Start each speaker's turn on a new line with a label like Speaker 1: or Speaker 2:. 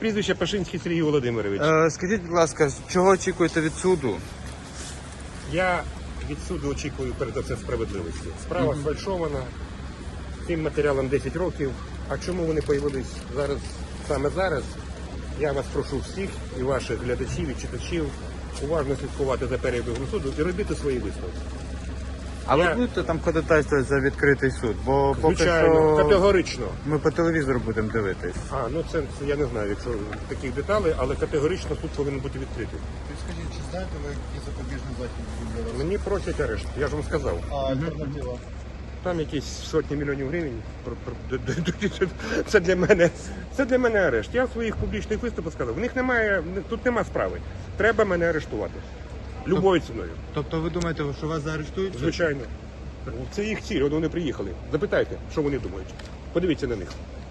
Speaker 1: прізвище Пашинський Сергій Володимирович.
Speaker 2: Скажіть, будь ласка, чого очікуєте від суду?
Speaker 1: Я від суду очікую перед все справедливості. Справа сфальшована, цим матеріалам 10 років. А чому вони появились зараз, саме зараз? Я вас прошу всіх і ваших глядачів і читачів уважно слідкувати за перебігом суду і робити свої висновки.
Speaker 2: А ви будете там ходатайствувати за відкритий суд? Бо поки
Speaker 1: Звичайно,
Speaker 2: що
Speaker 1: категорично.
Speaker 2: ми по телевізору будемо дивитись.
Speaker 1: Це я не знаю, якщо таких деталей, але категорично суд повинен бути відкритий.
Speaker 3: Скажіть, чи знаєте ви, які запобіжні заходи будуть зараз?
Speaker 1: Мені просять арешт, я ж вам сказав.
Speaker 3: А альтернатива?
Speaker 1: Там якісь сотні мільйонів гривень. Це для мене арешт. Я в своїх публічних виступах сказав, в них тут нема справи. Треба мене арештувати. Любою ціною.
Speaker 2: Тобто ви думаєте, що вас заарештують?
Speaker 1: Звичайно. Це їх ціль, вони приїхали. Запитайте, що вони думають. Подивіться на них.